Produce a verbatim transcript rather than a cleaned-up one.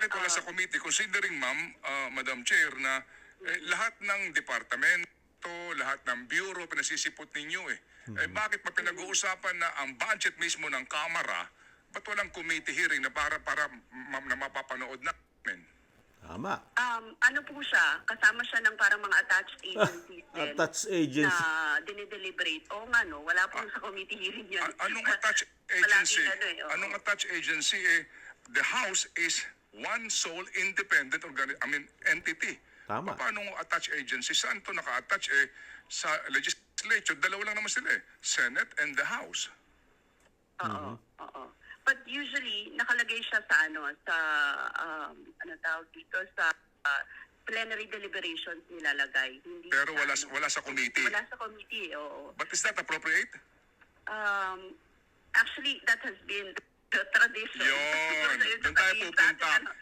bakit wala sa committee? Considering, ma'am, ah, Madam Chair, na eh, lahat ng departamento, lahat ng bureau, pinasisipot ninyo eh. Eh, bakit pa pinag-uusapan na ang budget mismo ng Kamara, ba't walang committee hearing na para, para ma- na mapapanood namin? Tama. Um, ano po siya, kasama siya ng parang mga attached agencies din Attached agency. na dinideliberate. Oo nga no, wala po sa committee hearing yan. A- anong attached Palaging agency? ano eh, oo. Anong attached agency eh? The House is one sole independent organi- I mean entity. Tama. Paano attached agency? Saan to naka-attach eh? Sa legislature, dalawa lang naman sila eh. Senate and the House. Oo, oo. But usually, nakalagay siya sa ano, sa, um, ano tawag dito, sa uh, plenary deliberations nilalagay. Hindi Pero sa, wala ano, wala sa committee. Wala sa committee, oo. But is that appropriate? Um, actually, that has been the tradition. Yun. Siguro sa Doon tayo ating- sa ating pupunta. ano,